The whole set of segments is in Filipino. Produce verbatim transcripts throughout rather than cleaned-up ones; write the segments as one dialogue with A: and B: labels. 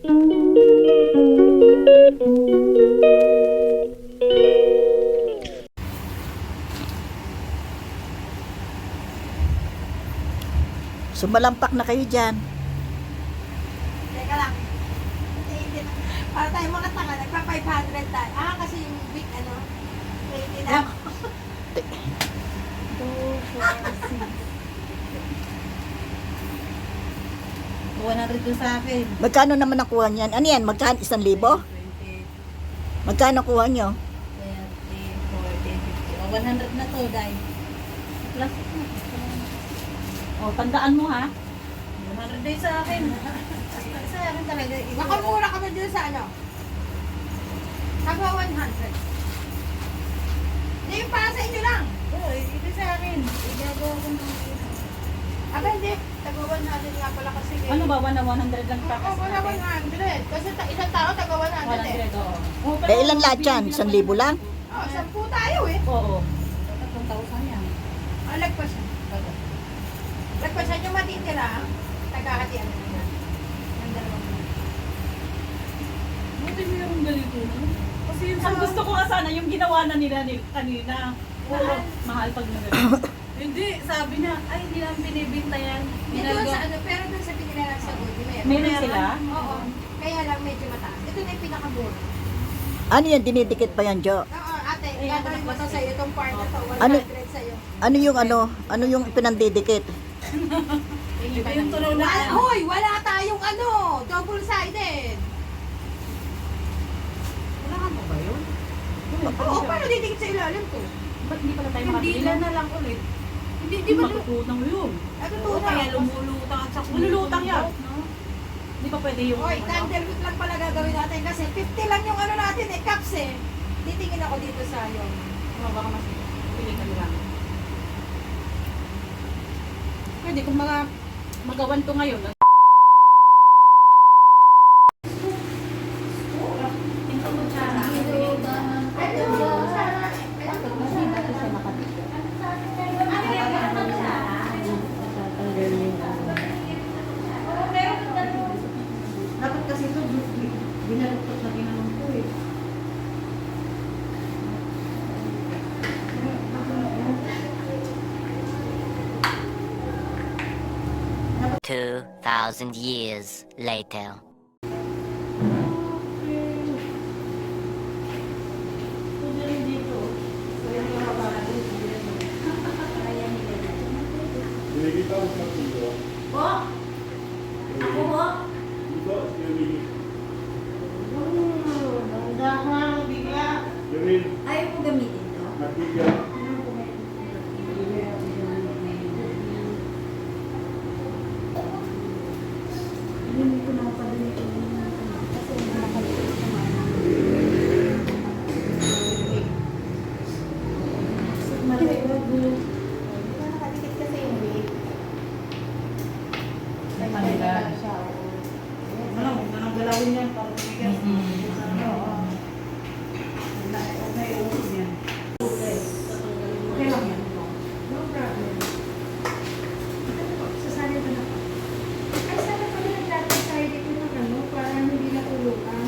A: Sumalampak na kayo dyan.
B: Teka lang. Para tayo mga tanga, nagpa five hundred tayo. Ah, kasi yung big ano, twenty na ako.
C: two, four, six. one hundred to sa akin.
A: Magkano naman nakuha niyan? Ano yan? Magkano? Isang libo?
C: twenty,
A: Magkano nakuha nyo?
C: thirty, forty, fifty. O, one hundred na to, dahil. Plus, o, tandaan mo ha. one hundred day sa akin. Sa akin talaga.
B: Nakamura kami dun sa ano. Nagwa one hundred. Hindi yung para sa inyo lang.
C: Oo, ito sa akin. Igagawa ko ng
B: Aba hindi, tagwa one hundred nga pala kasi. eh.
C: ano ba, one na one hundred lang pa
B: Oo,
C: kasi
B: wala one hundred. Kasi ta- isang tao tagwa one hundred
C: one
B: eh.
C: hundred, oo. Oo, pero
A: Eh, ilan lahat yan? Isang libo lang?
B: Oo, sampu tayo eh.
C: Oo. tatlong thousand yan.
B: Ah, lagpasan. Lagpasan yung matitira. Tagahatian na yan. Ang dalawang yan.
C: Buti mayroong ganito, no? Kasi yung ang gusto ko nga sana, yung ginawa na nila ni, kanina. Puro mahal pag nag Hindi, sabi niya, ay hindi lang binibinta yan.
B: Hindi doon sa ano, pero doon sa pinila sa Gold, meron.
C: Meron sila?
B: Oo. Kaya lang medyo mataas. Ito na yung pinakamura.
A: Ano yan? Dinidikit pa yan, Jo?
B: Oo, ate,
C: Ay,
B: gagawin mo to sa'yo, itong part na to,
A: Ano?
B: one hundred sa'yo.
A: Ano yung ano? Ano yung pinandidikit?
C: Iba yung tunaw na.
B: Wala, hoy, wala tayong ano, double-sided.
C: Wala ka ba yun?
B: Oo, paano didikit sa ilalim to?
C: Ba't hindi pala tayo
D: Hindi
C: makabili?
D: na na lang ulit.
B: Hindi,
C: Di
B: di ba?
C: matututang yun.
B: Ito
D: Oo,
B: to
D: kaya
B: na.
D: lumulutang at saka
C: Malulutang yan. No? Di ba pwede yung
B: Hoy,
C: ano?
B: candlewood lang pala gagawin natin kasi fifty lang yung ano natin eh, cups eh. Titingin ako dito sa yung.
C: Ano, baka mas pili ka nila. Pwede kung mga magawan to ngayon.
D: Dapat kasi ito, binaluktot na ginanong ko eh.
E: Two thousand years later.
D: Po? Ako po? Dahan, bigla. Ayaw mo gamitin to? Hindi ko na mapadali ito. Kasi nakalimutan ko sa mga. Maliwag mo. Di ba nakadikit kasi yung weight?
C: May manigal.
D: Siya, oo.
C: Ano, huwag na nang galawin yan para tumigas.
D: Oo.
C: Huwag na iuusog yan. Okay lang yan.
D: No problem. Sasali ko na. Ay, sana pala nagtatay ko ng ano, para hindi natulukan.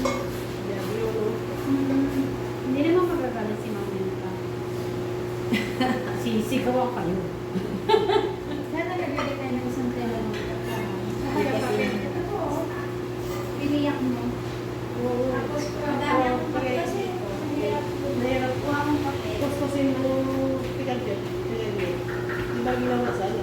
D: Hmm, hindi naman magagalit si Mami nito.
C: Sisigawan kayo.
D: Sana nagbili tayo ng isang tela ng pagkakas. Kaya papel. Ito po, oh. Piniyak mo. Tapos, madami akong papel kasi. Mahirap po.
C: Mahirap
D: po akong papel.
C: Tapos kasi yung pikat yun. Di ba ginawa sa